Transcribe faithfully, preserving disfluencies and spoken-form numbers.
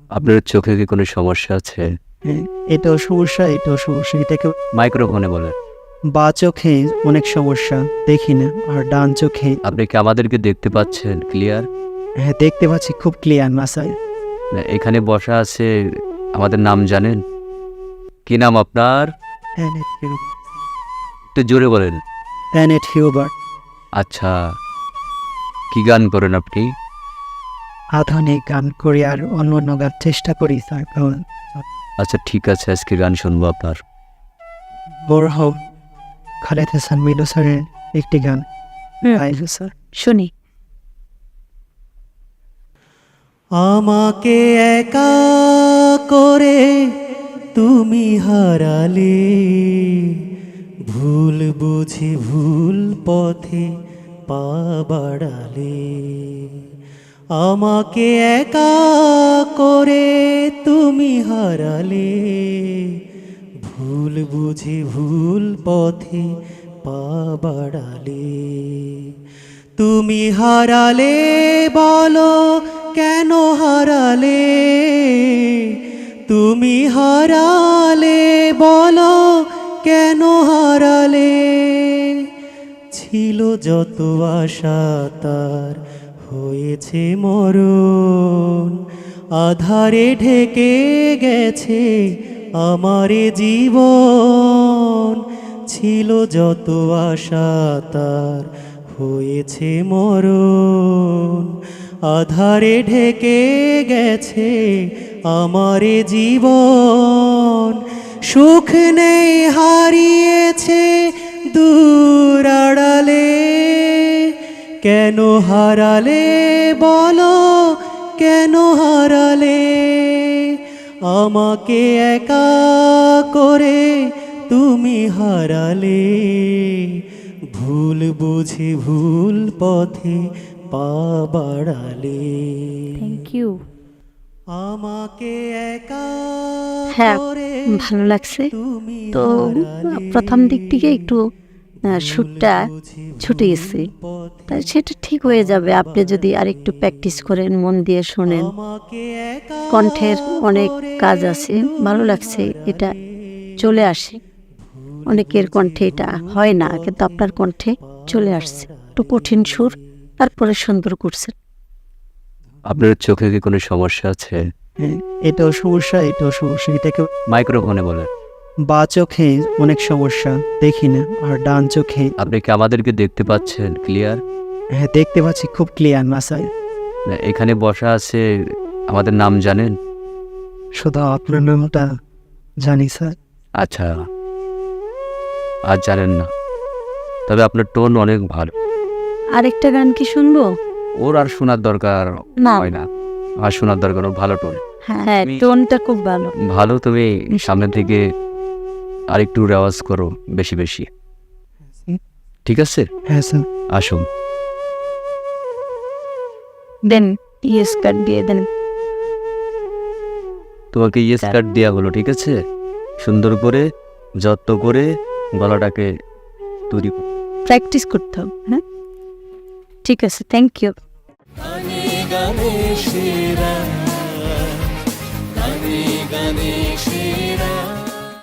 আপনার চোখে কি কোনো সমস্যা আছে? হ্যাঁ, এটাও সমস্যা, এটাও সমস্যা। এটাকে মাইক্রোফোনে বলেন। বা চোখে অনেক সমস্যা, দেখি না। আর ডান চোখে আপনি কি আমাদেরকে দেখতে পাচ্ছেন ক্লিয়ার? হ্যাঁ, দেখতে পাচ্ছি খুব ক্লিয়ার না স্যার। এখানে বসা আছে, আমাদের নাম জানেন? কি নাম আপনার? Annette Huber. একটু জোরে বলেন। Annette Huber. আচ্ছা, কি গান করেন আপনি? আধুনিক গান করি আর অন্য অন্য গান চেষ্টা করি স্যার। কারণ আচ্ছা ঠিক আছে, আজকে গান শুনবো আপনার। বোরহাব খালেদ হাসান মিলু স্যারের একটি গান গাইল স্যার। শুনি। আমাকে একা করে তুমি হারালে, ভুল বুঝি ভুল পথে পা বাড়ালে। আমাকে একা করে তুমি হারালে, ভুল বুঝি ভুল পথে পা বাড়ালে। তুমি হারালে বলো কেন হারালে, তুমি হারালে বলো কেন হারালে। ছিল যত আশা তার হয়েছে মরণ, আধারে ঢেকে গেছে আমার জীবন। ছিল যত আশা তার হয়েছে মরণ, আধারে ঢেকে গেছে আমার জীবন। সুখ নেই হারিয়েছে দূর আড়ালে, কেন হারালে বলো কেন হারালে। আমাকে একা করে তুমি হারালে, ভুল বুঝি ভুল পথে পা বাড়ালে। Thank you. আমাকে একা হ্যাঁ, করে ভালো লাগছে। তুমি তো হারালে, প্রথম দিক থেকে একটু আহ, সুরটা ছুটে গেছে, তাই সেটা ঠিক হয়ে যাবে আপনি যদি আর একটু প্র্যাকটিস করেন, মন দিয়ে শোনেন। আমাকে একা কণ্ঠের অনেক কাজ আছে, ভালো লাগছে, এটা চলে আসে। অনেকের কণ্ঠে এটা হয় না, কিন্তু আপনার কণ্ঠে চলে আসছে। একটু কঠিন সুর, তারপরে সুন্দর করছেন। আপনার চোখে কি কোনো সমস্যা আছে? হ্যাঁ, এটাও সমস্যা, এটাও সমস্যা। এটাকে মাইক্রোফোনে বলেন। বা চোখে অনেক সমস্যা, দেখি না। আর ডান চোখে আপনি কি আমাদেরকে দেখতে পাচ্ছেন ক্লিয়ার? হ্যাঁ, দেখতে পাচ্ছি খুব ক্লিয়ার না স্যার। এখানে বসা আছে, আমাদের নাম জানেন? শুধু আপনার নামটা জানি স্যার। আচ্ছা, আর জানেন না, তবে আপনার টোন অনেক ভালো। আরেকটা গান কি শুনবো? ওর আর শোনার দরকার না। হয় না, আর শোনার দরকার, ওর ভালো টোন। হ্যাঁ, টোনটা খুব ভালো। ভালো, তুমি সামনে থেকে আরেকটু রেওয়াজ করো বেশি বেশি, ঠিক আছে? হ্যাঁ স্যার। আসুন। দেন ইয়েস কাট দিয়ে দেন। তোমাকে ইয়েস কার্ড দেওয়া হলো, ঠিক আছে? সুন্দর করে যত্ন করে গলাটাকে তৈরি করো। প্র্যাকটিস করতে হবে। হ্যাঁ, ঠিক আছে, থ্যাংক ইউ। গানে গানে সেরা, গানে গানে